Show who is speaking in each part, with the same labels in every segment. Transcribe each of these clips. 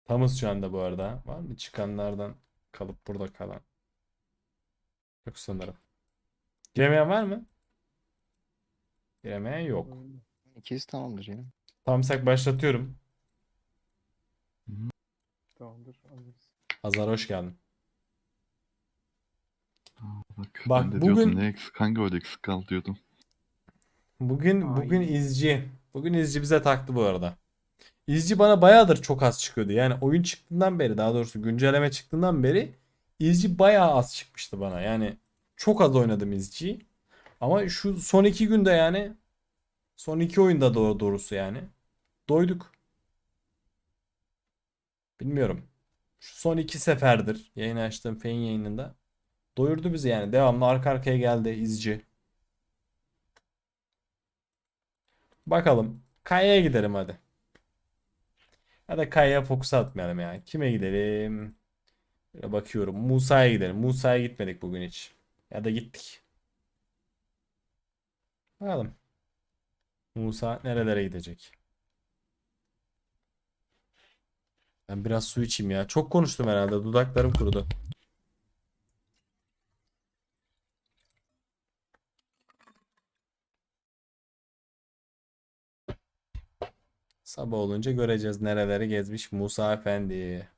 Speaker 1: Tamız şu anda bu arada. Var mı çıkanlardan kalıp burada kalan? Yok sanırım. Giremeyen var mı? Giremeyen yok.
Speaker 2: İkisi tamamdır ya.
Speaker 1: Tamsak başlatıyorum.
Speaker 3: Tamamdır. Alırız.
Speaker 1: Hazar hoş geldin.
Speaker 4: Bak ben
Speaker 1: Bak
Speaker 4: de diyordum
Speaker 1: bugün
Speaker 4: ne eksik, hangi oyda eksik kaldı diyordum.
Speaker 1: bugün
Speaker 3: Ay.
Speaker 1: izci. Bugün izci bize taktı bu arada. İzci bana bayağıdır çok az çıkıyordu. Yani oyun çıktığından beri, daha doğrusu güncelleme çıktığından beri izci bayağı az çıkmıştı bana. Yani çok az oynadım izciyi. Ama şu son 2 günde, yani son 2 oyunda doğrusu yani doyduk. Bilmiyorum. Şu son 2 seferdir yayın açtığım Fein yayınında doyurdu bizi yani. Devamlı arka arkaya geldi izci. Bakalım. Kaya'ya gidelim hadi. Ya da Kaya'ya fokus atmayalım ya. Kime gidelim? Böyle bakıyorum. Musa'ya gidelim. Musa'ya gitmedik bugün hiç. Ya da gittik. Bakalım. Musa nerelere gidecek? Ben biraz su içeyim ya. Çok konuştum herhalde. Dudaklarım kurudu. Sabah olunca göreceğiz nereleri gezmiş Musa Efendi.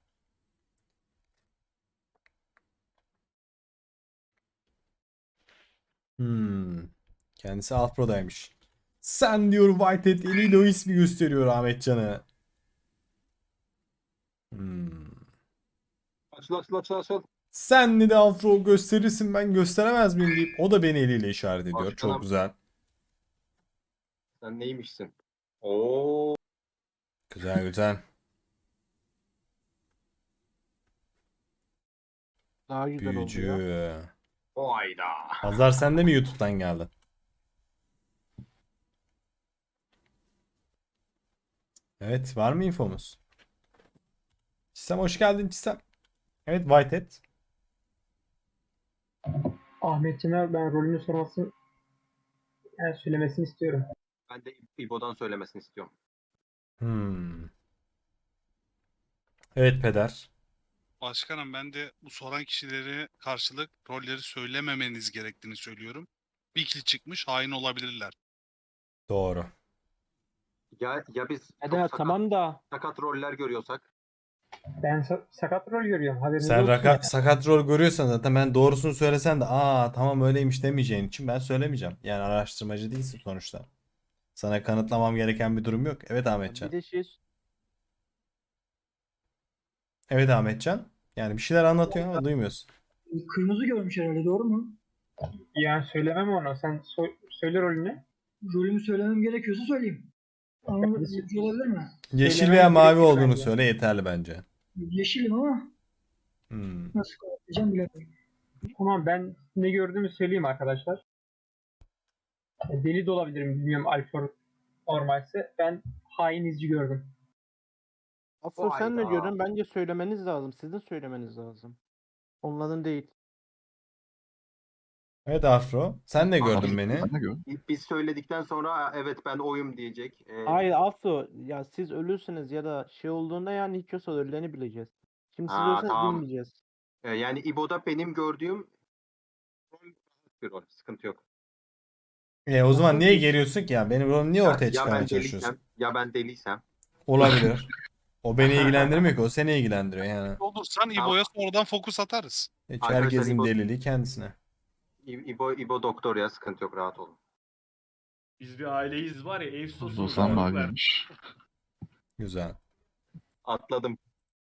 Speaker 1: Hmm. Kendisi Alfro'daymış. Sen diyor Whitehead eliyle o ismi gösteriyor Ahmetcan'ı. Hmm.
Speaker 5: Açıl.
Speaker 1: Sen de Alfro gösterirsin ben gösteremez miyim deyip o da beni eliyle işaret ediyor. Çok
Speaker 5: Başkanım.
Speaker 1: güzel.
Speaker 5: Sen neymişsin? Oo.
Speaker 1: Güzel güzel.
Speaker 3: Daha güzel oldu ya.
Speaker 1: Büyücü.
Speaker 5: Hayda.
Speaker 1: Hazar sen de mi YouTube'dan geldin? Evet, var mı infomuz? Çisem hoş geldin Çisem. Evet, Whitehead.
Speaker 6: Ahmetcan'a ben rolünü sormasını, yani söylemesini istiyorum.
Speaker 5: Ben de İbo'dan söylemesini istiyorum.
Speaker 1: Hmm. Evet peder.
Speaker 7: Başkanım ben de bu soran kişilere karşılık rolleri söylememeniz gerektiğini söylüyorum. Bir kill çıkmış hain olabilirler.
Speaker 1: Doğru.
Speaker 5: Ya biz çok
Speaker 3: Hadi tamam da
Speaker 5: sakat roller görüyorsak.
Speaker 6: Ben sakat rol görüyorum. Haberiniz
Speaker 1: Sen
Speaker 6: olsun yani.
Speaker 1: sakat rol görüyorsan zaten ben doğrusunu söylesen de aa tamam öyleymiş demeyeceğin için ben söylemeyeceğim. Yani araştırmacı değilsin sonuçta. Sana kanıtlamam gereken bir durum yok. Evet
Speaker 3: bir
Speaker 1: Ahmetcan.
Speaker 3: de şey
Speaker 1: Evet Ahmetcan. Yani bir şeyler anlatıyor ama duymuyorsun.
Speaker 8: Kırmızı görmüş herhalde, doğru mu?
Speaker 6: Yani söylemem onu. Sen söyle rolünü.
Speaker 8: Rolümü söylemem gerekiyorsa söyleyeyim. Ama mümkün olabilir mi?
Speaker 1: Yeşil
Speaker 6: Söylemen
Speaker 1: veya mavi
Speaker 6: gerekir
Speaker 1: olduğunu
Speaker 6: bence.
Speaker 1: söyle yeterli bence.
Speaker 8: Yeşilim ama
Speaker 1: Hmm.
Speaker 8: nasıl kanıtlayacağım bilemiyorum.
Speaker 6: Tamam, ben ne gördüğümü söyleyeyim arkadaşlar. Deli de olabilirim, bilmiyorum Alfor normalse. Ben hain izci gördüm.
Speaker 3: Afro sen ne
Speaker 5: Hayda.
Speaker 3: diyorsun? Bence söylemeniz lazım. Sizin söylemeniz lazım. Onların değil.
Speaker 1: Evet Afro. Sen de gördün
Speaker 5: Abi,
Speaker 1: beni.
Speaker 4: Ben de gör.
Speaker 5: Biz söyledikten sonra evet ben oyum diyecek.
Speaker 3: Hayır Afro ya siz ölürsünüz ya da şey olduğunda yani hiç yoksa ölülerini bileceğiz. Şimdi siz ölseniz
Speaker 5: Tamam.
Speaker 3: bilmeyeceğiz.
Speaker 5: Yani İbo'da benim gördüğüm rol bir rol. Sıkıntı yok.
Speaker 1: O zaman niye
Speaker 3: Afrodit.
Speaker 1: geliyorsun ki ya? Benim rolümü niye ortaya
Speaker 5: Ya
Speaker 1: çıkarmaya
Speaker 5: ben
Speaker 1: çalışıyorsun?
Speaker 5: deliysem, ya ben deliysem.
Speaker 1: Olabilir. O beni ilgilendirmiyor ki. O seni ilgilendiriyor yani.
Speaker 7: Olursan İbo'ya sonradan fokus atarız.
Speaker 1: Hiç
Speaker 5: Arkadaşlar,
Speaker 1: herkesin
Speaker 5: İbo-
Speaker 1: deliliği kendisine.
Speaker 5: İbo doktor ya, sıkıntı yok, rahat olun.
Speaker 9: Biz bir aileyiz var ya, ev sosu
Speaker 4: Ozan
Speaker 9: ver.
Speaker 4: maviymiş.
Speaker 1: Güzel.
Speaker 5: Atladım.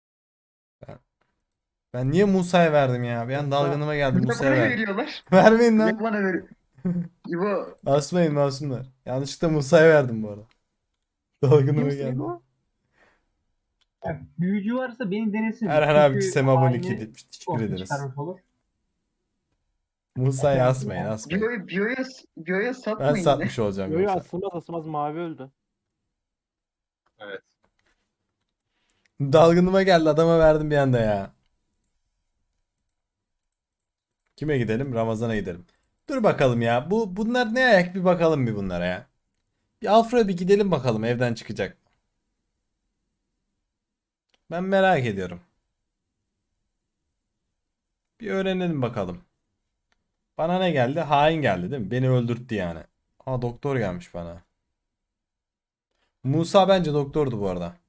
Speaker 1: Ben niye Musa'ya verdim ya? Bir an dalgınıma geldi.
Speaker 8: Bir de
Speaker 1: Musa'ya
Speaker 8: bana
Speaker 1: verdim.
Speaker 8: veriyorlar.
Speaker 1: Vermeyin
Speaker 8: Ya
Speaker 1: lan.
Speaker 8: bana veriyor. İbo,
Speaker 1: Asmayın masumlar. Yanlışlıkla Musa'ya verdim bu arada. Dalgınıma
Speaker 3: Kimsin
Speaker 1: geldi.
Speaker 3: İbo?
Speaker 6: Yani büyücü varsa beni denesin.
Speaker 1: Erhan abi
Speaker 6: Çünkü
Speaker 1: Çisem abone
Speaker 6: haini
Speaker 1: 2 demiş. Teşekkür
Speaker 6: ortaya
Speaker 1: ederiz.
Speaker 6: çıkarmış olur.
Speaker 1: Musa'ya asmayın asmayın.
Speaker 8: Bio'ya
Speaker 1: Ben
Speaker 8: satmayın yine.
Speaker 1: satmış olacağım
Speaker 3: Yo yo
Speaker 1: yoksa.
Speaker 3: asılmaz mavi öldü.
Speaker 5: Evet.
Speaker 1: Dalgınıma geldi, adama verdim bir anda ya. Kime gidelim? Ramazan'a gidelim. Dur bakalım ya. Bunlar ne ayak, bir bakalım bir bunlara ya. Bir Alfred'e bir gidelim bakalım evden çıkacak. Ben merak ediyorum. Bir öğrenelim bakalım. Bana ne geldi? Hain geldi değil mi? Beni öldürttü yani. Aa, doktor gelmiş bana. Musa bence doktordu bu arada.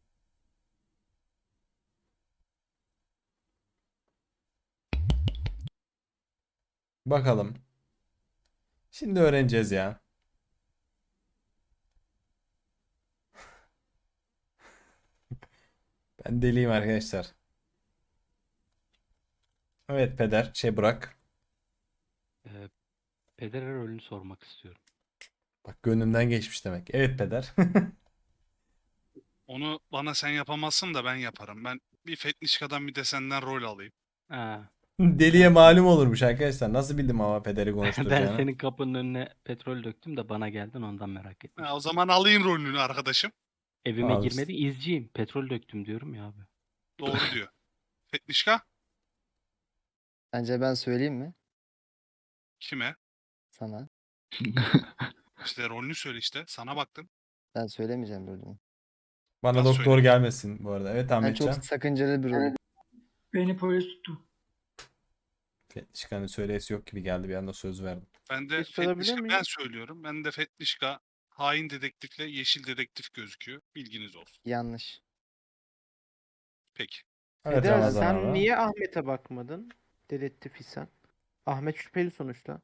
Speaker 1: Bakalım. Şimdi öğreneceğiz ya. Ben deliyim arkadaşlar. Evet peder. Bırak.
Speaker 2: Peder'e rolünü sormak istiyorum.
Speaker 1: Bak gönlümden geçmiş demek. Evet peder.
Speaker 7: Onu bana sen yapamazsın da ben yaparım. Ben bir Fetnişka'dan bir de senden rol alayım.
Speaker 2: Ha,
Speaker 1: Deliye malum olurmuş arkadaşlar. Nasıl bildim ama pederi
Speaker 2: ben
Speaker 1: konuşturacağını.
Speaker 2: senin kapının önüne petrol döktüm de bana geldin ondan merak ettim.
Speaker 7: Ha, o zaman alayım rolünü arkadaşım.
Speaker 2: Evime
Speaker 1: Abi,
Speaker 2: girmedi izciyim. Petrol döktüm diyorum ya abi.
Speaker 7: Doğru diyor. Fetnişka
Speaker 10: Bence ben söyleyeyim mi
Speaker 7: kime?
Speaker 10: sana?
Speaker 7: İşte rolünü söyle işte. Sana baktım.
Speaker 10: Ben söylemeyeceğim rolümü.
Speaker 1: Bana
Speaker 7: Nasıl
Speaker 1: doktor
Speaker 7: söyleyeyim?
Speaker 1: gelmesin bu arada. Evet
Speaker 10: Ben
Speaker 1: Ahmetcan.
Speaker 10: çok sakıncalı bir rolüm.
Speaker 8: Beni polis tuttu.
Speaker 1: Fetişkan'ın söyleyesi yok gibi geldi. Bir anda söz verdim.
Speaker 7: Ben de
Speaker 3: Bir sorabilir
Speaker 7: Fetnişka
Speaker 3: miyim?
Speaker 7: ben söylüyorum. Ben de Fetnişka hain dedektifle yeşil dedektif gözüküyor. Bilginiz olsun.
Speaker 10: Yanlış.
Speaker 7: Peki.
Speaker 1: Evet
Speaker 3: Peder
Speaker 1: Ramazan
Speaker 3: sen
Speaker 1: abi.
Speaker 3: niye Ahmet'e bakmadın? Dedektif isen. Ahmet şüpheli sonuçta.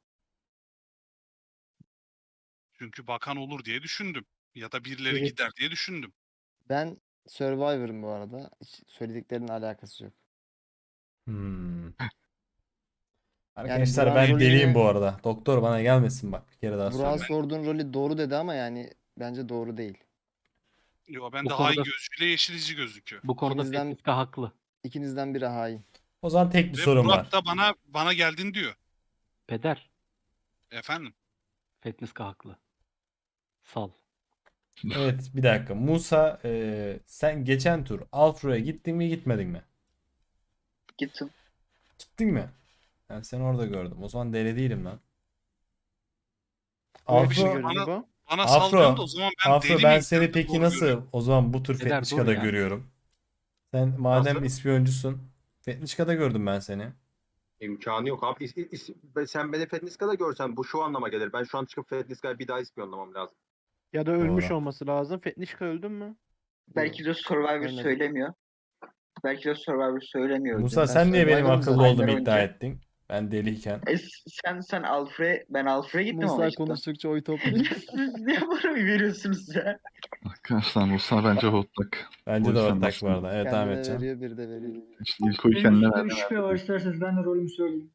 Speaker 7: Çünkü bakan olur diye düşündüm. Ya da birileri
Speaker 3: Evet.
Speaker 7: gider diye düşündüm.
Speaker 10: Ben Survivor'ım bu arada. Hiç söylediklerinin alakası yok.
Speaker 1: Hmm. Arkadaşlar
Speaker 10: Burak'ın
Speaker 1: ben
Speaker 10: rolünü-
Speaker 1: deliyim bu arada. Doktor bana gelmesin bak. Bir kere daha
Speaker 10: Burak'a
Speaker 1: söyleyeyim.
Speaker 10: sorduğun rolü doğru dedi ama yani bence doğru değil.
Speaker 7: Yo ben
Speaker 2: Bu
Speaker 7: de hain
Speaker 2: konuda-
Speaker 7: gözüyle yeşil izci gözüküyor.
Speaker 2: Bu konuda
Speaker 10: İkinizden-
Speaker 2: Fetnişka haklı.
Speaker 10: İkinizden biri hain.
Speaker 1: O zaman tek bir
Speaker 7: Ve
Speaker 1: sorum
Speaker 7: Burak
Speaker 1: var.
Speaker 7: da bana geldin diyor.
Speaker 2: Peder,
Speaker 7: Efendim.
Speaker 2: Fetnişka haklı. Sal.
Speaker 1: Evet bir dakika. Musa sen geçen tur Alfro'ya gittin mi gitmedin mi?
Speaker 10: Gittim.
Speaker 1: Gittin mi? Ben seni orada gördüm. O zaman deli değilim lan.
Speaker 3: Böyle bir şey
Speaker 1: Afro,
Speaker 3: görünüyor bu.
Speaker 7: Bana
Speaker 1: Afro,
Speaker 7: sallıyorsun da o zaman ben
Speaker 1: Afro
Speaker 7: deli
Speaker 1: ben
Speaker 7: miyim?
Speaker 1: seni
Speaker 7: Ben de
Speaker 1: peki
Speaker 7: doğru
Speaker 1: nasıl
Speaker 7: görüyorum.
Speaker 1: o zaman bu tür
Speaker 2: Eder, dur
Speaker 1: Fetnişka'da
Speaker 2: ya.
Speaker 1: görüyorum. Sen madem
Speaker 5: Nasıl?
Speaker 1: ispiyoncusun. Fetnişka'da gördüm ben seni.
Speaker 5: İmkanı yok abi. Sen beni Fetniska'da görsen bu şu anlama gelir. Ben şu an çıkıp Fetniska'yı bir daha ispiyonlamam lazım.
Speaker 3: Ya da ölmüş
Speaker 1: Doğru.
Speaker 3: olması lazım. Fetnişka öldün mü?
Speaker 11: Belki de Survivor
Speaker 10: Ölmedim.
Speaker 11: söylemiyor. Belki de Survivor söylemiyor.
Speaker 1: Musa
Speaker 10: Ben
Speaker 1: sen niye benim
Speaker 10: Survivor'ım
Speaker 1: akıllı
Speaker 10: zaten.
Speaker 1: olduğumu iddia
Speaker 11: Önce.
Speaker 1: ettin? Ben deliyken.
Speaker 11: Sen ben Alfred'e gittim ama
Speaker 10: Musa
Speaker 11: işte.
Speaker 10: konuştukça oy topluyor.
Speaker 11: Siz ne bana oy veriyorsunuz ya?
Speaker 4: Arkadaşlar Musa bence hortlak.
Speaker 1: Bence
Speaker 4: O
Speaker 1: de
Speaker 4: yüzden
Speaker 1: ortak bu
Speaker 4: bastım.
Speaker 1: arada. Evet
Speaker 10: Kendine
Speaker 1: Ahmetcan.
Speaker 10: veriyor, bir de veriyor.
Speaker 4: İşte ilk oyu
Speaker 8: Benim
Speaker 4: kendine
Speaker 8: üstümde bir
Speaker 4: verdim.
Speaker 8: şüphe var isterseniz ben de rolümü söyleyeyim.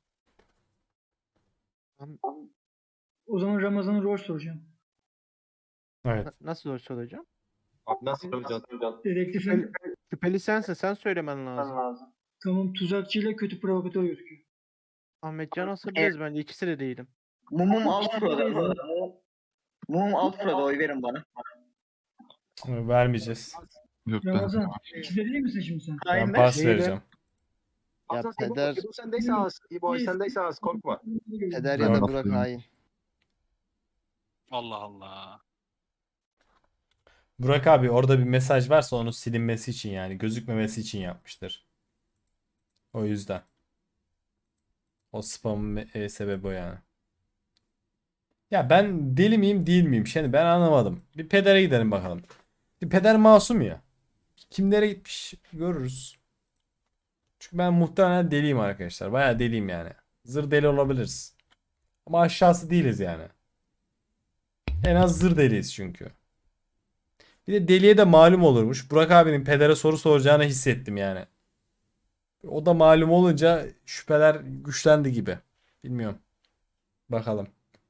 Speaker 8: O zaman Ramazan'a rol soracağım.
Speaker 1: Evet.
Speaker 3: Nasıl rol soracağım?
Speaker 5: Abi nasıl söyleyeceğiz?
Speaker 8: Dedektifin
Speaker 3: Şüpheli sensin. Sen söylemen lazım.
Speaker 8: tamam tuzakçıyla kötü provokatör gözüküyor.
Speaker 3: Ahmetcan asabiliriz bence. İkisi de değilim.
Speaker 11: Mumum Alfred'e. Mumum Alfred'e oy verin bana.
Speaker 1: Vermeyeceğiz.
Speaker 4: Yok ben.
Speaker 8: Ramazan ikisi de değil misin şimdi sen?
Speaker 1: Ben
Speaker 11: Aynen.
Speaker 1: pas
Speaker 3: Şeyde-
Speaker 1: vereceğim.
Speaker 10: Ya
Speaker 5: Aslan
Speaker 10: peder,
Speaker 5: İbo sendeyse az. İbo sendeyse az. Korkma.
Speaker 10: peder
Speaker 4: Ben
Speaker 10: ya da
Speaker 4: laf
Speaker 10: Burak
Speaker 4: duyuyorum.
Speaker 10: hain.
Speaker 7: Allah Allah.
Speaker 1: Burak abi orada bir mesaj varsa onun silinmesi için yani gözükmemesi için yapmıştır. O yüzden. O spamın sebebi o yani. Ya ben deli miyim değil miyim? Şimdi ben anlamadım. Bir pedere gidelim bakalım. Bir peder masum ya. Kimlere gitmiş görürüz. Çünkü ben muhtemelen deliyim arkadaşlar. Bayağı deliyim yani. Zır deli olabiliriz. Ama aşağısı değiliz yani. En az zır deliyiz çünkü. Bir de deliye de malum olurmuş. Burak abinin pedere soru soracağını hissettim yani. O da malum olunca şüpheler güçlendi gibi. Bilmiyorum. Bakalım.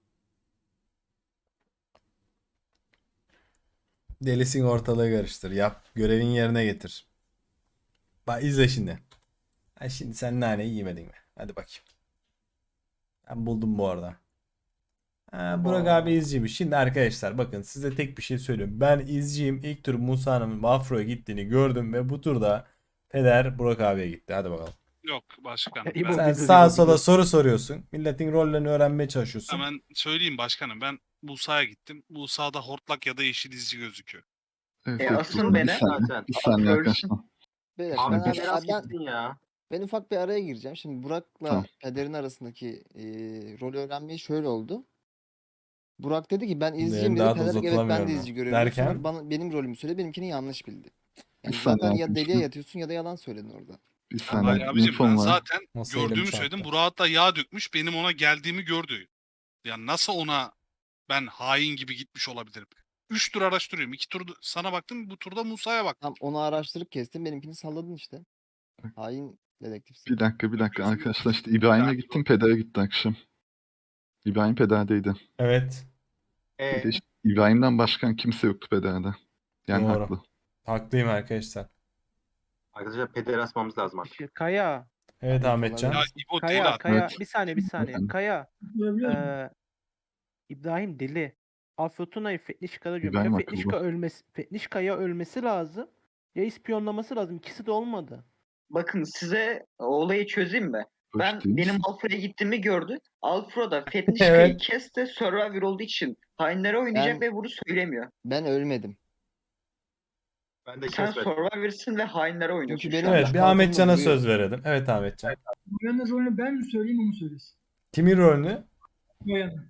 Speaker 1: Delisin ortalığı karıştır. Yap. Görevin yerine getir. Bak izle şimdi. Ha, şimdi sen naneyi yemedin mi? Hadi bakayım. Ben buldum bu arada. Ha, Burak abi izciymiş. Şimdi arkadaşlar bakın size tek bir şey söylüyorum. Ben izciyim. İlk tur Musa'nın Afro'ya gittiğini gördüm ve bu turda peder Burak abiye gitti. Hadi bakalım.
Speaker 7: Yok başkanım.
Speaker 3: İbo
Speaker 7: Ben
Speaker 1: Sen
Speaker 3: bizi
Speaker 1: sağa
Speaker 3: diyor,
Speaker 1: sola
Speaker 3: bizi.
Speaker 1: soru soruyorsun. Milletin rollerini öğrenmeye çalışıyorsun.
Speaker 7: hemen söyleyeyim başkanım. Ben Musa'ya gittim. Musa'da hortlak ya da yeşil izci gözüküyor.
Speaker 4: Evet,
Speaker 11: E,
Speaker 4: evet,
Speaker 11: asın
Speaker 4: Musa,
Speaker 11: beni.
Speaker 4: Bir saniye,
Speaker 5: Zaten.
Speaker 4: bir saniye
Speaker 11: Ölsün.
Speaker 4: arkadaşlar.
Speaker 10: Beyler,
Speaker 5: Abi
Speaker 10: ben,
Speaker 5: Peder az gitsin ya.
Speaker 10: ben ufak bir araya gireceğim. Şimdi Burak'la
Speaker 4: Tamam.
Speaker 10: Peder'in arasındaki rolü öğrenmeyi şöyle oldu. Burak dedi ki ben izciyim
Speaker 1: Benim
Speaker 10: dedi.
Speaker 1: daha da
Speaker 10: Peder evet ben
Speaker 1: uzatılamıyor
Speaker 10: de
Speaker 1: mu?
Speaker 10: izci görevliyim. Sonra
Speaker 1: Derken
Speaker 10: benim rolümü söyledi. Benimkini yanlış bildi.
Speaker 4: Bir
Speaker 10: Yani
Speaker 4: saniye
Speaker 10: zaten ya
Speaker 4: arkadaşlar.
Speaker 10: deliye yatıyorsun ya da yalan söyledin orada.
Speaker 4: Bir
Speaker 7: Hayır
Speaker 4: saniye
Speaker 7: abicim, ben
Speaker 4: infom var.
Speaker 7: zaten
Speaker 1: nasıl elim
Speaker 7: gördüğümü
Speaker 1: çarptı?
Speaker 7: söyledim. Burak hatta yağ dökmüş. Benim ona geldiğimi gördü. Yani nasıl ona ben hain gibi gitmiş olabilirim? 3 tur araştırıyorum. 2 tur sana baktım. Bu turda Musa'ya baktım.
Speaker 10: Tam onu araştırıp kestin. Benimkini salladın işte. Hain dedektifsin.
Speaker 4: Bir dakika arkadaşlar, işte İbrahim'e gittim, Peder'e gitti akşam. İbrahim Peder'deydi.
Speaker 1: Evet.
Speaker 4: Bir de işte İbrahim'den başkan kimse yoktu Peder'de. Yani
Speaker 1: Doğru.
Speaker 4: haklı.
Speaker 1: Haklıyım arkadaşlar.
Speaker 5: Arkadaşlar Peder'i asmamız lazım artık.
Speaker 3: Kaya.
Speaker 1: Evet
Speaker 10: Abi,
Speaker 1: Ahmetcan.
Speaker 7: Ya
Speaker 10: kolay
Speaker 7: İbo deli
Speaker 3: Kaya.
Speaker 7: at.
Speaker 3: Kaya.
Speaker 4: Evet.
Speaker 3: Bir saniye bir saniye.
Speaker 4: Efendim?
Speaker 3: Kaya.
Speaker 8: Görebiliyor musun?
Speaker 3: İbrahim deli. Afyotuna'yı Fetnişka'da diyorum.
Speaker 4: İbrahim
Speaker 3: Ya
Speaker 4: akıllı.
Speaker 3: Fetnişka'ya ölmesi lazım. Ya ispiyonlaması lazım. İkisi de olmadı.
Speaker 11: Bakın size olayı çözeyim mi? Ben
Speaker 4: Hoş değil
Speaker 11: benim
Speaker 4: misin?
Speaker 11: Alfred'e gittiğimi gördü. Alfred da Fetnişka'yı
Speaker 1: Evet.
Speaker 11: kesti. Survivor olduğu için hainlere oynayacak
Speaker 10: Ben-
Speaker 11: ve bunu söylemiyor.
Speaker 10: Ben ölmedim.
Speaker 5: Ben de
Speaker 11: Sen
Speaker 5: kesmedim.
Speaker 11: Survivor'sın ve hainlere oynuyorsun
Speaker 10: Çünkü
Speaker 11: şu
Speaker 10: benim-
Speaker 11: anda.
Speaker 1: Evet bir
Speaker 10: Kalkanla
Speaker 1: Ahmetcan'a
Speaker 10: vuruyor.
Speaker 1: söz verelim. Evet Ahmetcan.
Speaker 8: Noyan'ın rolünü ben mi söyleyeyim o mu söylesin?
Speaker 1: Kimin rolünü?
Speaker 8: Noyan'ın.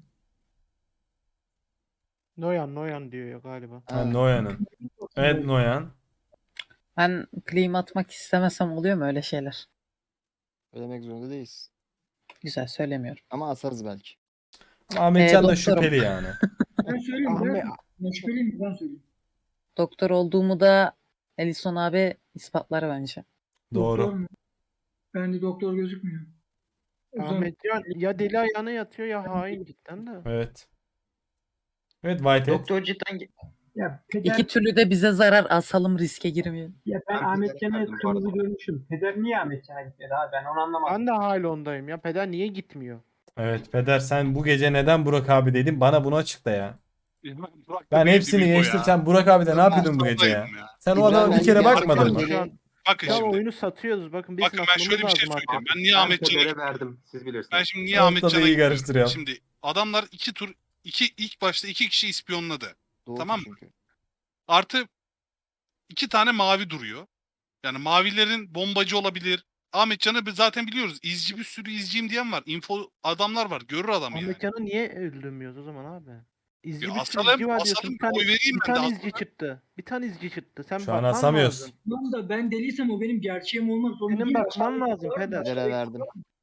Speaker 3: Noyan diyor ya galiba.
Speaker 1: Ha, Noyan'ın. Evet Noyan.
Speaker 12: Ben claim atmak istemesem oluyor mu öyle şeyler?
Speaker 10: Ölemek zorunda değiliz.
Speaker 12: Güzel söylemiyorum.
Speaker 10: Ama asarız belki.
Speaker 1: Ama Ahmetcan da
Speaker 12: doktorum.
Speaker 1: şüpheli yani.
Speaker 8: Ben söyleyeyim.
Speaker 3: Ahmet-
Speaker 8: Ben şüpheliyim mi? Ben söyleyeyim.
Speaker 12: Doktor olduğumu da Elison abi ispatlar bence.
Speaker 1: Doğru.
Speaker 8: Doktor mu? Bende doktor gözükmüyor. O zaman
Speaker 3: Ahmetcan ya deli ayağına yatıyor ya hain cidden de.
Speaker 1: Evet. Evet Whitehead.
Speaker 11: Doktor cidden
Speaker 8: ya Peder,
Speaker 12: İki türlü de bize zarar, asalım, riske girmeyelim.
Speaker 8: ya ben
Speaker 5: Ben
Speaker 8: Ahmet
Speaker 5: Peder'e
Speaker 8: Can'a
Speaker 5: verdim bu
Speaker 8: kırmızı
Speaker 5: arada.
Speaker 8: görmüşüm. Peder niye Ahmet Can'a gitmedi abi? Ben onu anlamadım.
Speaker 3: Ben de Haylon'dayım ya. Peder niye gitmiyor?
Speaker 1: Evet Peder sen bu gece neden Burak abi dedin? Bana bunu açıkla ya.
Speaker 7: Burak
Speaker 1: Ben
Speaker 7: da
Speaker 1: hepsini
Speaker 7: değildi İbo
Speaker 1: geçtim.
Speaker 7: ya.
Speaker 1: Sen Burak abi de ne
Speaker 7: Ben
Speaker 1: yapıyordun bu gece ya?
Speaker 7: Mustafa'ydım ya.
Speaker 1: Sen o
Speaker 10: İbrahim,
Speaker 1: adama bir
Speaker 10: ben
Speaker 1: kere
Speaker 10: gerçekten
Speaker 1: bakmadın mı?
Speaker 10: deli-
Speaker 3: Şu an,
Speaker 7: Bakın
Speaker 3: şu an
Speaker 7: şimdi.
Speaker 3: oyunu satıyoruz. Bakın bizim
Speaker 7: Bakın ben şöyle bir şey
Speaker 3: lazım
Speaker 7: söyleyeyim.
Speaker 3: artık.
Speaker 7: Ben niye
Speaker 5: Ben
Speaker 7: Ahmetcan'a
Speaker 5: Peder'e
Speaker 7: gittim?
Speaker 5: verdim. Siz bilirsiniz.
Speaker 7: Ben şimdi niye
Speaker 1: Ortada
Speaker 7: Ahmetcan'a
Speaker 1: iyi
Speaker 7: gittim?
Speaker 1: karıştırıyorum.
Speaker 7: Şimdi adamlar ilk başta iki kişi ispiyonladı.
Speaker 10: Doğru
Speaker 7: Tamam mı?
Speaker 10: çünkü.
Speaker 7: Artı 2 tane mavi duruyor. Yani mavilerin bombacı olabilir. Ahmetcan'ı zaten biliyoruz. İzci bir sürü izciyim diyen var. Info adamlar var. Görür adam yani.
Speaker 3: Ahmetcan'ı niye öldürmüyoruz o zaman abi? İzci
Speaker 7: Ya
Speaker 3: bir sürü
Speaker 7: asalım,
Speaker 3: izci var diyorsun.
Speaker 7: asalım,
Speaker 3: Bir tane,
Speaker 7: oy vereyim
Speaker 3: bir
Speaker 7: ben de
Speaker 3: tane
Speaker 7: asalım.
Speaker 3: izci çıktı. Bir tane izci çıktı. Sen
Speaker 1: Şu an
Speaker 3: bakman
Speaker 1: asamıyoruz.
Speaker 3: lazım.
Speaker 8: Tamam da ben deliysem o benim gerçeğim olmak zorunda
Speaker 3: Senin
Speaker 8: değil.
Speaker 3: bakman
Speaker 8: Aşağıdaki
Speaker 3: lazım
Speaker 8: var mı?
Speaker 3: Peder.
Speaker 10: Peder'e verdim.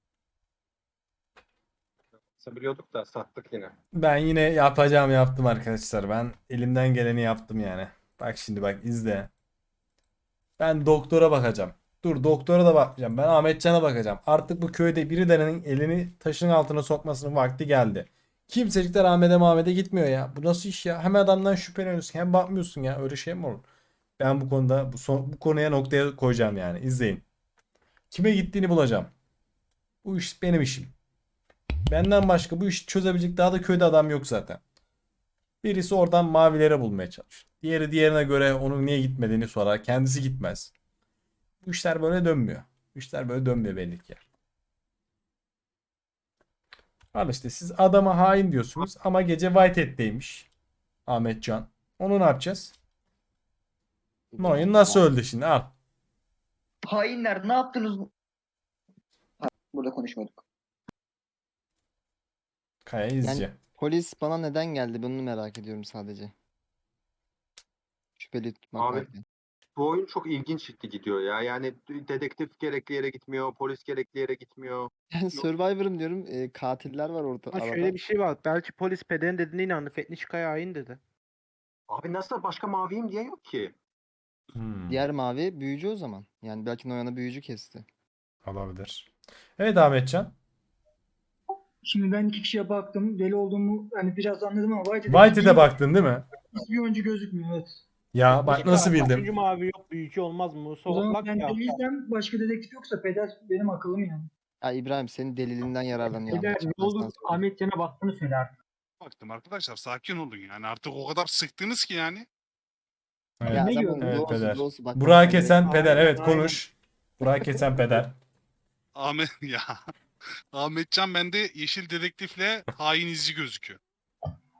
Speaker 5: Biliyorduk da sattık yine.
Speaker 1: Ben yine yapacağım yaptım arkadaşlar. Ben elimden geleni yaptım yani. Bak şimdi bak izle. Ben doktora bakacağım. Dur doktora da bakmayacağım. Ben Ahmetcan'a bakacağım. Artık bu köyde birilerinin elini taşın altına sokmasının vakti geldi. Kimsecikler Ahmet'e gitmiyor ya. Bu nasıl iş ya? Hem adamdan şüpheleniyorsun hem bakmıyorsun ya. Öyle şey mi olur? Ben bu konuda bu konuya noktaya koyacağım yani. İzleyin. Kime gittiğini bulacağım. Bu iş benim işim. Benden başka bu işi çözebilecek daha da köyde adam yok zaten. Birisi oradan mavilere bulmaya çalışır. Diğeri diğerine göre onun niye gitmediğini sorar. Kendisi gitmez. Bu işler böyle dönmüyor. Bu işler böyle dönmüyor belli ki. Al işte siz adama hain diyorsunuz ama gece Whitehead'deymiş. Ahmetcan. Onu ne yapacağız? Noyan nasıl öldü şimdi? Al.
Speaker 11: hainler ne yaptınız? Ha, burada konuşmadık.
Speaker 1: Kaya izci.
Speaker 10: Polis bana neden geldi? Bunu merak ediyorum sadece. Şüpheli tutmak
Speaker 5: Abi,
Speaker 10: varken.
Speaker 5: Bu oyun çok ilginç gidiyor ya. Yani dedektif gerekli yere gitmiyor. Polis gerekli yere gitmiyor.
Speaker 10: Yani Survivor'ım diyorum. Katiller var orada
Speaker 3: Ama
Speaker 10: arada.
Speaker 3: şöyle bir şey var. Belki polis Peder'in dediğine inandı. Fetnişka'ya hain dedi.
Speaker 5: Abi nasıl başka maviyim diye yok ki.
Speaker 10: Diğer mavi büyücü o zaman. Yani belki Noyan'a büyücü kesti.
Speaker 1: Olabilir. Evet Ahmetcan.
Speaker 8: Şimdi ben iki kişiye baktım. Deli olduğumu hani biraz anladım ama
Speaker 1: Whitehead'e baktın değil mi?
Speaker 8: bir oyuncu gözükmüyor. Evet.
Speaker 1: Ya bak nasıl
Speaker 3: Üçüncü
Speaker 1: bildim.
Speaker 3: mavi yok. Büyücü olmaz mı?
Speaker 8: O zaman
Speaker 3: Soğuklak
Speaker 8: ben
Speaker 3: ya.
Speaker 8: deliysem başka dedektif yoksa Peder benim akıllım yani.
Speaker 10: Ya İbrahim senin delilinden yararlanıyor.
Speaker 6: Peder
Speaker 10: Ahmetcan,
Speaker 6: ne
Speaker 10: ben sana
Speaker 6: olur
Speaker 10: söyleyeyim.
Speaker 6: Ahmet Can'a baktığını söyle artık.
Speaker 7: Baktım arkadaşlar, sakin olun yani. Artık o kadar sıktınız ki yani.
Speaker 1: Evet.
Speaker 10: Ya
Speaker 8: Ne
Speaker 10: sen
Speaker 8: gördün?
Speaker 10: bunu
Speaker 1: Evet,
Speaker 10: doğrusu
Speaker 1: Peder.
Speaker 10: doğrusu bak.
Speaker 1: Burak'ı
Speaker 10: bak,
Speaker 1: kesen
Speaker 10: direkt-
Speaker 1: peder. Evet
Speaker 8: Aynen.
Speaker 1: konuş. Burak'ı kesen peder.
Speaker 7: Ahmet ya. Ahmetcan bende yeşil dedektifle hain izci gözüküyor.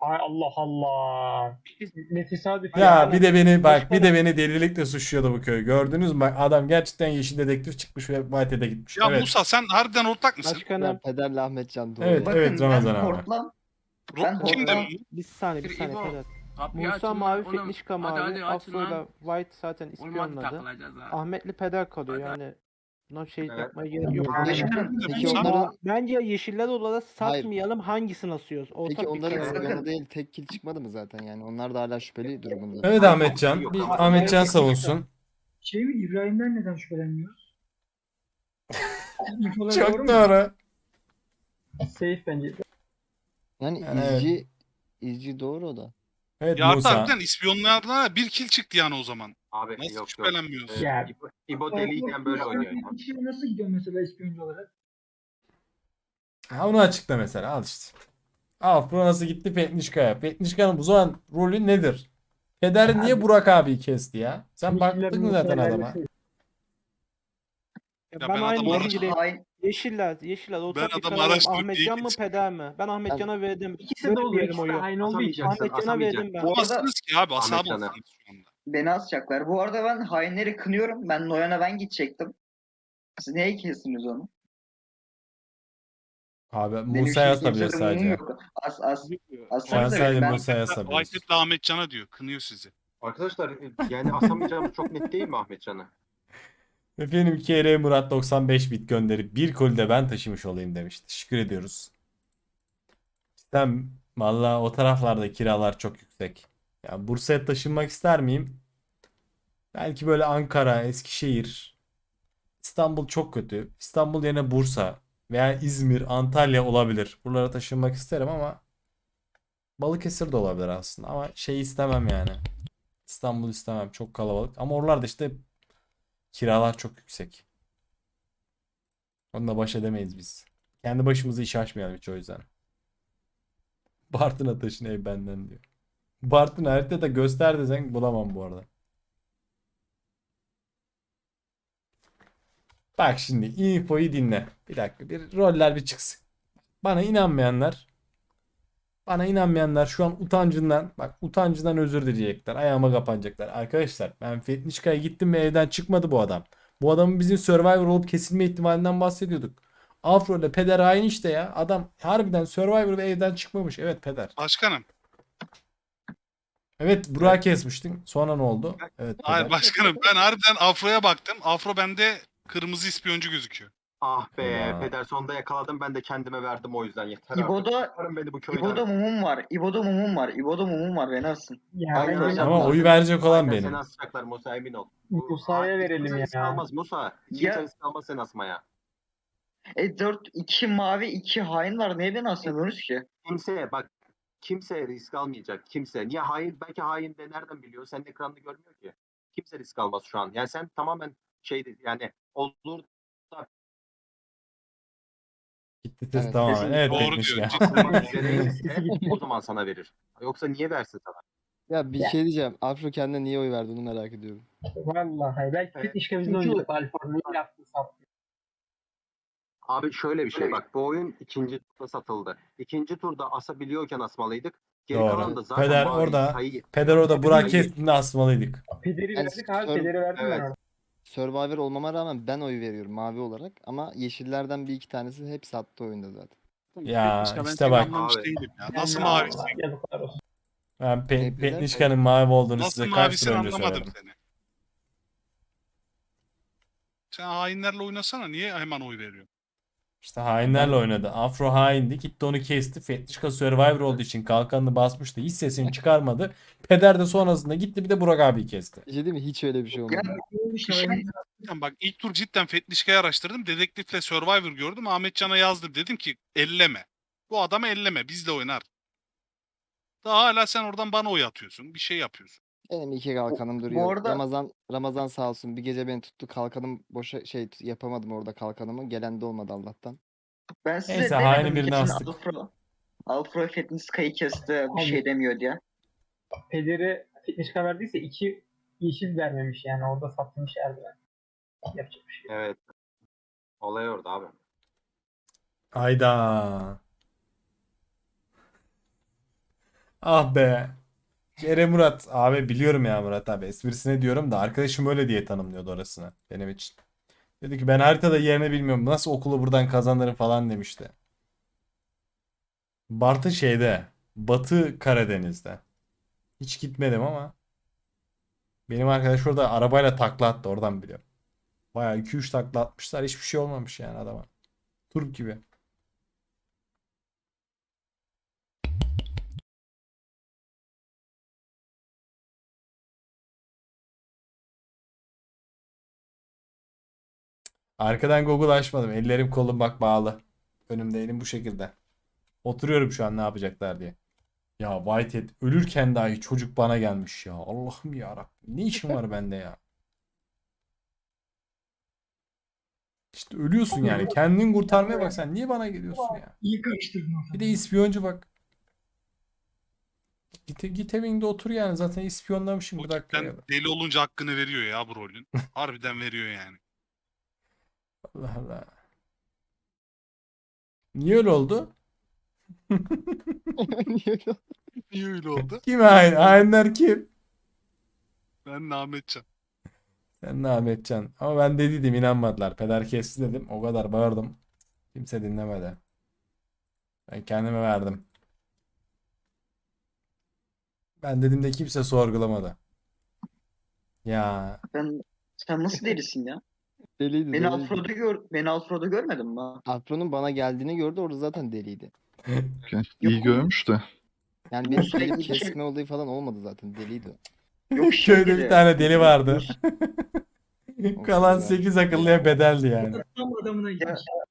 Speaker 6: Ay Allah Allah. Ne tesadüf
Speaker 1: Ya bir de beni bak bir de beni delilikle suçluyordu bu köy. Gördünüz mü? Bak adam gerçekten yeşil dedektif çıkmış ve Whitehead'e gitmiş.
Speaker 7: Ya
Speaker 1: Evet.
Speaker 7: Musa sen harbiden ortak mısın?
Speaker 10: Ya
Speaker 3: Başkanım
Speaker 10: Pederle Ahmetcan doğru.
Speaker 1: Evet,
Speaker 10: ya.
Speaker 1: evet Ramazan abi.
Speaker 11: Hortlam.
Speaker 7: Ro-
Speaker 11: Ben
Speaker 7: Kim
Speaker 11: Hortlam.
Speaker 7: dedim?
Speaker 3: bir saniye
Speaker 9: İbo,
Speaker 3: Peder.
Speaker 9: Kapıyı
Speaker 3: Musa
Speaker 9: açın
Speaker 3: mavi,
Speaker 9: lan oğlum.
Speaker 3: Fetnişka
Speaker 9: Hadi,
Speaker 3: mavi,
Speaker 9: hadi açın
Speaker 3: Afro'yla
Speaker 9: lan.
Speaker 3: White zaten
Speaker 9: Olmadı
Speaker 3: ispiyonladı.
Speaker 9: takılacağız ha.
Speaker 3: Ahmetli Peder kalıyor
Speaker 9: Hadi.
Speaker 3: yani. Buna şey
Speaker 5: Evet.
Speaker 3: yapmaya gerek yok.
Speaker 11: Başkanım.
Speaker 10: Peki
Speaker 7: Musa?
Speaker 10: onların
Speaker 3: Bence yeşiller olarak
Speaker 10: Hayır.
Speaker 3: satmayalım, hangisini asıyoruz? Ortak
Speaker 10: peki
Speaker 3: bir
Speaker 10: onların
Speaker 3: karar
Speaker 11: Bakın.
Speaker 10: ispiyonu değil tek kill çıkmadı mı zaten yani? Onlar da hala şüpheli durumunda.
Speaker 1: Evet Ahmetcan.
Speaker 5: Yok,
Speaker 1: Bir
Speaker 5: Ramazan.
Speaker 1: Ahmetcan savunsun.
Speaker 8: Şey mi, İbrahim'den neden şüphelenmiyoruz? İnfolar
Speaker 1: Çok
Speaker 8: mu?
Speaker 1: doğru.
Speaker 6: Safe bence.
Speaker 10: Yani
Speaker 1: Evet.
Speaker 10: izci doğru o da.
Speaker 1: Evet
Speaker 7: Ya hatta
Speaker 1: Musa.
Speaker 7: harbiden ispiyonlardan bir kill çıktı yani o zaman.
Speaker 5: Abi
Speaker 7: Nasıl
Speaker 5: yok yok.
Speaker 7: şüphelenmiyorsun?
Speaker 6: Ya.
Speaker 5: İbo deliyken böyle oynuyor ya.
Speaker 8: İçeri nasıl gidiyor mesela ispiyoncu olarak?
Speaker 1: Ha, onu açıkla mesela al işte. Afro nasıl gitti Petnişka'ya? Petnişka'nın bu zaman rolü nedir? Peder niye Burak abi kesti ya? Sen baktın mı zaten adama?
Speaker 7: Ya
Speaker 3: ben
Speaker 7: ben
Speaker 3: aynı
Speaker 7: adamı
Speaker 3: gibi gireyim.
Speaker 11: Hain.
Speaker 3: Yeşiller ortak bir
Speaker 7: adamı
Speaker 3: karar alalım.
Speaker 7: araştırıp
Speaker 3: Ahmetcan mı
Speaker 7: geçtim.
Speaker 3: Peder mi? Ben Ahmetcan'a verdim.
Speaker 6: İkisi de oluyor.
Speaker 3: Vermeyelim
Speaker 6: İkisi de
Speaker 3: oyu.
Speaker 6: aynı olduğu için.
Speaker 5: Asamayacaksın.
Speaker 3: Ahmetcan'a verdim ben.
Speaker 11: Bu arada
Speaker 7: Asılsınız ki abi asabı
Speaker 5: Ahmetcan'a.
Speaker 7: olsanız şu anda.
Speaker 11: beni asacaklar. Bu arada ben hainleri kınıyorum. Ben Noyan'a ben gidecektim. Siz neye kestiniz onu?
Speaker 1: Abi
Speaker 11: Benim
Speaker 1: Musa'ya
Speaker 11: şimdi
Speaker 1: asabilir
Speaker 11: kimsede mumum
Speaker 1: sadece.
Speaker 11: yok.
Speaker 1: Sen
Speaker 11: Assanıza
Speaker 1: sadece
Speaker 11: beni. Ben
Speaker 1: Musa'ya asabilirsin.
Speaker 7: Whitehead'le Ahmet Can'a diyor. Kınıyor sizi.
Speaker 5: Arkadaşlar yani asamayacağımız çok net değil mi Ahmetcan'ı?
Speaker 1: Efendim KR Murat 95 bit gönderip bir koli de ben taşımış olayım demiş. Teşekkür ediyoruz. Sen valla o taraflarda kiralar çok yüksek. Ya Bursa'ya taşınmak ister miyim? Belki böyle Ankara, Eskişehir, İstanbul çok kötü. İstanbul yerine Bursa veya İzmir, Antalya olabilir. Buralara taşınmak isterim ama Balıkesir de olabilir aslında ama şey istemem yani. İstanbul istemem. Çok kalabalık. Ama oralarda işte kiralar çok yüksek. Onunla baş edemeyiz biz. Kendi başımıza iş açmayalım hiç o yüzden. Bartın'a taşın ev benden diyor. Bartın haritada göster desen bulamam bu arada. Bak şimdi infoyu dinle. Bir dakika bir roller bir çıksın. Bana inanmayanlar şu an utancından özür dileyecekler. Ayağıma kapanacaklar. Arkadaşlar ben Fetnişka'ya gittim ve evden çıkmadı bu adam. Bu adamın bizim Survivor olup kesilme ihtimalinden bahsediyorduk. Afro ile Peder aynı işte ya. Adam harbiden Survivor ve evden çıkmamış. Evet Peder.
Speaker 7: Başkanım.
Speaker 1: Evet Burak'ı kesmiştin. Sonra ne oldu? Evet
Speaker 7: Hayır
Speaker 1: Peder.
Speaker 7: başkanım ben harbiden Afro'ya baktım. Afro bende kırmızı ispiyoncu gözüküyor.
Speaker 5: Ah be
Speaker 1: Ulan.
Speaker 5: Peder sonunda yakaladım ben de kendime verdim o yüzden yeter artık.
Speaker 11: İbo'da
Speaker 5: Çıkarın beni bu köyden.
Speaker 11: İbo'da mumum var. İbo'da mumum var. İbo'da mumum var. Beni asın.
Speaker 6: Ya
Speaker 5: Aynen,
Speaker 6: bence
Speaker 5: aynen.
Speaker 1: Ama oyu verecek olan
Speaker 5: Aynen,
Speaker 1: benim.
Speaker 5: Seni asacaklar Musa emin ol.
Speaker 6: Musa'ya verelim
Speaker 5: Kimse
Speaker 6: ya.
Speaker 5: risk almaz Musa.
Speaker 11: Ya-
Speaker 5: Kimse risk almaz seni asmaya.
Speaker 11: 2 mavi 2 hain var. Niye beni asmıyorsunuz ki?
Speaker 5: Kimse risk almayacak. Kimse. Niye hain? Belki hain de nereden biliyor? Senin ekranını görmüyor ki. Kimse risk almaz şu an. Yani sen tamamen yani olur da
Speaker 1: Gitti ses
Speaker 10: Evet,
Speaker 1: tamamen.
Speaker 11: kesinlikle.
Speaker 1: Evet
Speaker 7: Doğru
Speaker 1: Petmiş
Speaker 7: diyor,
Speaker 1: ya.
Speaker 7: cidden.
Speaker 5: olmak üzereyse o zaman sana verir. Yoksa niye versin sana?
Speaker 10: Ya bir şey diyeceğim. Afro kendine niye oy verdi onu merak ediyorum.
Speaker 6: Vallahi belki
Speaker 5: Evet.
Speaker 6: Fetnişka bizden
Speaker 3: Çünkü-
Speaker 6: oynayacak Alfa. Ne yaptı sattı.
Speaker 5: Abi şöyle bir şey bak bu oyun ikinci turda satıldı. İkinci turda asabiliyorken asmalıydık. Geri kalan da
Speaker 1: Doğru.
Speaker 5: zaten
Speaker 1: Peder
Speaker 5: mavi
Speaker 1: orada.
Speaker 5: sayı.
Speaker 1: Peder orada Burak
Speaker 5: Sayı-
Speaker 1: kestiğinde asmalıydık.
Speaker 6: Pederi
Speaker 10: Yani
Speaker 6: verdik abi.
Speaker 10: Sor-
Speaker 6: Pederi verdim
Speaker 5: Evet.
Speaker 6: ben ona.
Speaker 10: Survivor olmama rağmen ben oy veriyorum mavi olarak ama yeşillerden bir iki tanesi hep sattı oyunda zaten.
Speaker 1: Ya,
Speaker 7: Fetnişka, ben
Speaker 1: işte
Speaker 7: seni
Speaker 1: bak.
Speaker 7: anlamış
Speaker 5: Abi.
Speaker 7: değilim ya. Nasıl
Speaker 6: Yani
Speaker 7: mavisin?
Speaker 6: Allah, yazıklar olsun.
Speaker 1: Ben
Speaker 10: Hepsi de-
Speaker 1: Petnişka'nın mavi olduğunu
Speaker 7: Nasıl
Speaker 1: size kaç
Speaker 7: mavisin
Speaker 1: tur önce
Speaker 7: anlamadım
Speaker 1: söyledim.
Speaker 7: seni. Sen hainlerle oynasana. Niye hemen oy veriyorsun?
Speaker 1: İşte hainlerle oynadı. Afro haindi. Gitti onu kesti. Fetnişka Survivor olduğu için kalkanını basmıştı. Hiç sesini çıkarmadı. Peder de sonrasında gitti bir de Burak abiyi kesti.
Speaker 10: Bir şey değil mi? Hiç öyle bir şey olmadı.
Speaker 7: Cidden bak ilk tur cidden Fetnişka'yı araştırdım. Dedektifle Survivor gördüm. Ahmetcan'a yazdım. Dedim ki elleme. Bu adamı elleme. Bizle oynar. Daha hala sen oradan bana oy atıyorsun. Bir şey yapıyorsun.
Speaker 10: Benim iki kalkanım duruyor.
Speaker 11: arada-
Speaker 10: Ramazan sağ olsun bir gece beni tuttu. Kalkanım boşa yapamadım orada kalkanımı. Gelen de olmadı Allah'tan.
Speaker 11: Ben size
Speaker 1: Neyse,
Speaker 11: demedim
Speaker 1: haini
Speaker 11: mi
Speaker 1: birini
Speaker 11: kesin
Speaker 1: astık.
Speaker 11: Alfro Fetniska'yı kesti bir
Speaker 6: Abi.
Speaker 11: şey demiyor diye.
Speaker 6: Pederi Fetnişka verdiyse 2 yeşil vermemiş yani. Orada satılmış eldiven. Yapacak bir şey yok.
Speaker 5: Evet. Olay orada abi.
Speaker 1: Ayda. Ah be. Kerem Murat. Abi biliyorum ya Murat abi. Esprisine diyorum da arkadaşım öyle diye tanımlıyordu orasını benim için. Dedi ki ben haritada yerini bilmiyorum. Nasıl okulu buradan kazanırım falan demişti. Bartı şeyde. Batı Karadeniz'de. Hiç gitmedim ama. Benim arkadaş orada arabayla takla attı. Oradan biliyorum. Bayağı 2-3 takla atmışlar. Hiçbir şey olmamış yani adama. Turp gibi. Arkadan Google açmadım. Ellerim kolum bak bağlı. Önümde elim bu şekilde. Oturuyorum şu an ne yapacaklar diye. Ya Whitehead ölürken dahi çocuk bana gelmiş ya. Allah'ım ya Rabbim. Ne işim var bende ya? İşte ölüyorsun yani. Kendini kurtarmaya bak sen. Niye bana geliyorsun ya?
Speaker 8: İyi karıştırdın o
Speaker 1: Bir de
Speaker 8: zaman.
Speaker 1: ispiyoncu bak. Git evinde otur yani. Zaten ispiyonlamışım
Speaker 7: O
Speaker 1: bir dakika.
Speaker 7: cidden deli olunca hakkını veriyor ya bu rolün. Harbiden veriyor yani.
Speaker 1: Allah Allah. Niye öyle oldu?
Speaker 7: Niye öyle oldu?
Speaker 1: Kim hain? Hainler kim?
Speaker 7: Ben Ahmetcan.
Speaker 1: Sen ne Ahmetcan? Ama ben dediydim inanmadılar. Peder kesti dedim. O kadar bağırdım. Kimse dinlemedi. Ben kendime verdim. Ben dedim de kimse sorgulamadı. Ya
Speaker 11: Sen nasıl delisin ya?
Speaker 10: Deliydi,
Speaker 11: Beni Alfred'u görmedin mi?
Speaker 10: Afro'nun bana geldiğini gördü, orada zaten deliydi.
Speaker 4: İyi
Speaker 11: Yok.
Speaker 4: görmüş de.
Speaker 10: Yani
Speaker 11: Bu
Speaker 10: benim
Speaker 11: sürekli
Speaker 10: gelip
Speaker 11: bir şey-
Speaker 10: kesme olayı falan olmadı zaten, deliydi o.
Speaker 11: Yok
Speaker 1: köyde bir tane deli vardı.
Speaker 10: O
Speaker 1: Kalan
Speaker 10: güzel.
Speaker 1: 8 akıllıya bedeldi yani.
Speaker 8: Tam adamına gitmiş.